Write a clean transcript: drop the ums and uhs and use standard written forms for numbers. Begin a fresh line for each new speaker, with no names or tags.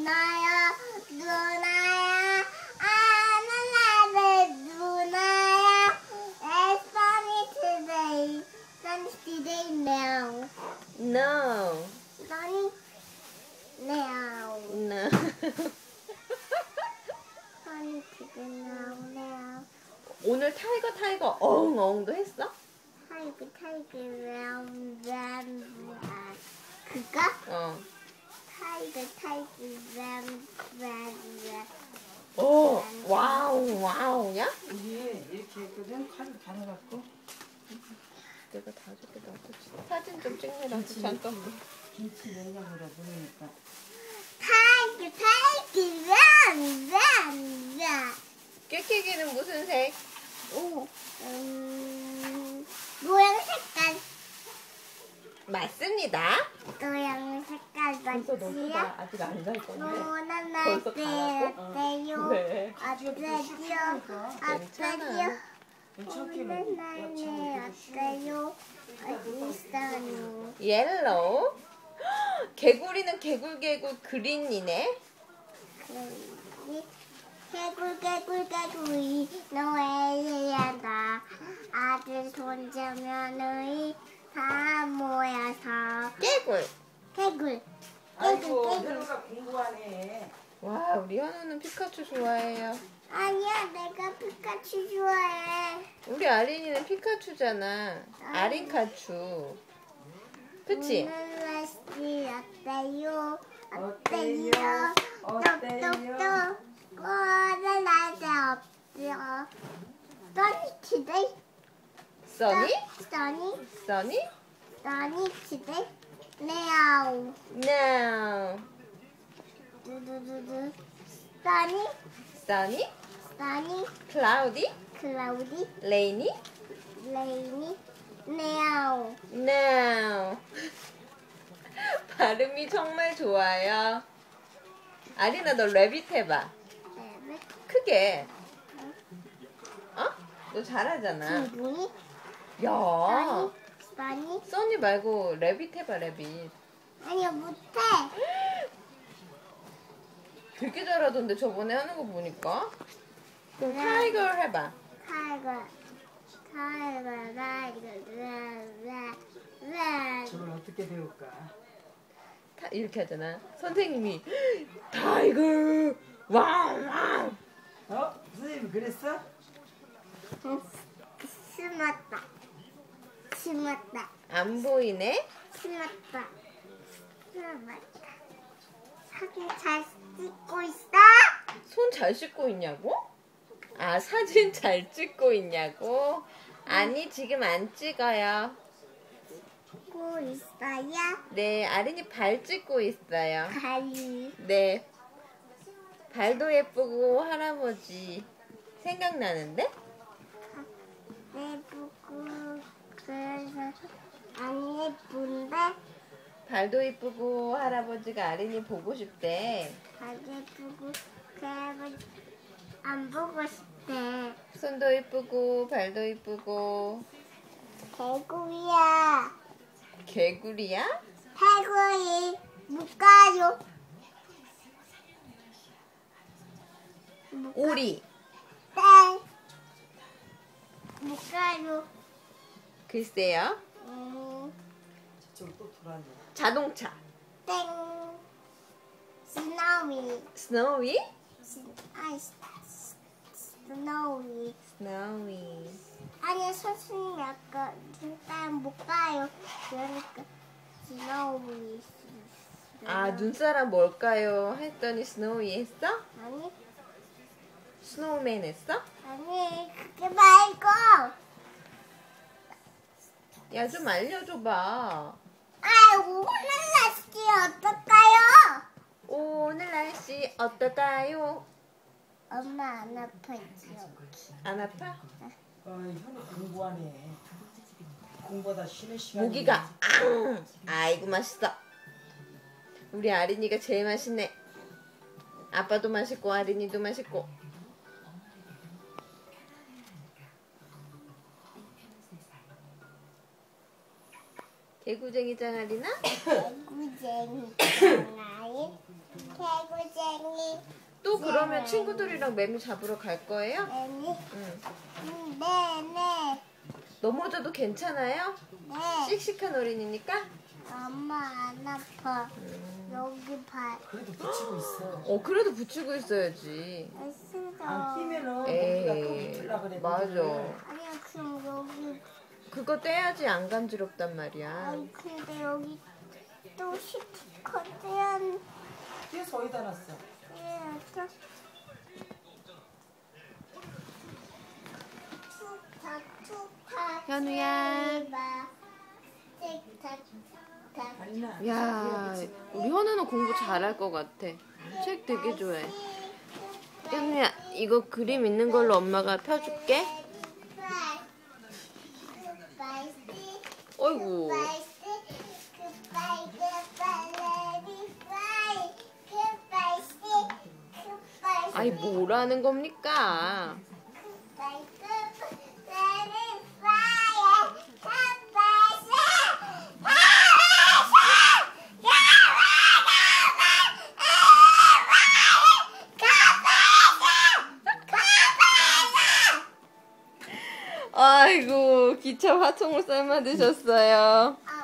누나야 누나야 아나나를 누나야 It's sunny today now
No.
sunny now
No.
sunny today now
오늘 타이거 어흥어흥도 했어?
타이거 그거?
어.
타이거
오, 와우야?
이게 이렇게 했거든. 칼 갈아갖고
내가 다 줄게. 나도 사진 좀 찍느라 잠깐만.
김치 냉장고에 넣으니까.
타이거
깨깨기는 무슨 색?
오, 모양 색깔
맞습니다.
모양 색깔
벌써 너
맞지요?
아직 안 갈 건데.
노란
벌써
날때
가라고?
어때요?
왜?
어때요? 어때요?
괜찮게
오늘 날에 어때요? 어디 있어요?
옐로우. 개구리는 개굴 그린이네.
개굴 노래를 한다. 아들 손자 며느리 다 모여서 개굴
아이고 현우가 공부하네.
와, 우리 현우는 피카츄 좋아해요.
아니야 내가 피카츄 좋아해.
우리 아린이는 피카츄잖아. 아린카츄. 그치?
오늘 날씨 어때요?
어때요? 어때요?
똑똑똑 오늘 날씨 없어요. Sunny today.
써니?
Sunny today. Now.
No.
두두두두.
Sunny?
Sunny.
Cloudy?
Cloudy.
Rainy?
Rainy. Now.
No. 발음이 정말 좋아요. 아린아, 너 래빗 해봐. 크게. 어? 너 잘하잖아.
기분이.
야.
Sunny.
써니 말고 래빗 해봐, 래빗.
아니야 못해.
되게 잘하던데 저번에 하는 거 보니까. 그럼 타이거 해봐.
타이거.
저걸 어떻게 배울까?
이렇게 하잖아. 선생님이 타이거 와우.
선생님 그랬어?
심었다.
안 보이네.
심었다. 사진 잘 찍고 있어?
손 잘 씻고 있냐고? 아, 사진 잘 찍고 있냐고? 아니, 지금 안 찍어요.
찍고 있어요?
네, 아린이 발 찍고 있어요.
발이.
네. 발도 예쁘고 할아버지 생각나는데?
예쁘고 그래서 안 예쁜데
발도 예쁘고 할아버지가 아린이 보고 싶대.
안 예쁘고 그래서 안 보고 싶대.
손도 예쁘고 발도 예쁘고.
개구리야.
개구리야?
개구리 못 가요.
오리.
땡. 못 가요.
글쎄요.
저쪽으로 또 돌아왔네.
자동차.
땡. 스노위.
스노위?
스노위.
스노위.
아니 선생님 아까 일단 못 가요. 그러니까 스노위.
아, 눈사람 뭘까요? 했더니 스노위 했어?
아니
스노우맨 했어?
아니 그게 말고.
야, 좀 알려줘봐.
오늘 날씨 어떨까요?
오늘 날씨 어떨까요?
엄마 안 아파지요.
안 아파?
현우 공부하네. 공부하다 쉬는 시간이.
모기가 아이고 맛있어. 우리 아린이가 제일 맛있네. 아빠도 맛있고 아린이도 맛있고. 개구쟁이 짱아리나?
개구쟁이 짱아리. 개구쟁이.
또 그러면 친구들이랑 매미 잡으러 갈 거예요?
애미.
응.
네.
넘어져도 괜찮아요?
네.
씩씩한 어린이니까?
엄마 안 아파. 여기 발.
그래도 붙이고 있어.
그래도 붙이고 있어야지.
안
쓰러.
끼면은 거기가 또
에이,
붙으려 그래.
맞아.
아니야 그럼 여기.
그거 떼야지 안 간지럽단 말이야.
아니 근데 여기 또 스티커 떼야
뒤에서 어디다 놨어?
떼야죠. 툭탁툭탁.
현우야.
틱탁탁.
아니나.
야, 우리 현우는 공부 잘할 것 같아. 책 되게 좋아해. 현우야, 이거 그림 있는 걸로 엄마가 펴줄게. 어이구. 아이, 뭐라는 겁니까? 아이고, 기차 화통을 삶아 드셨어요.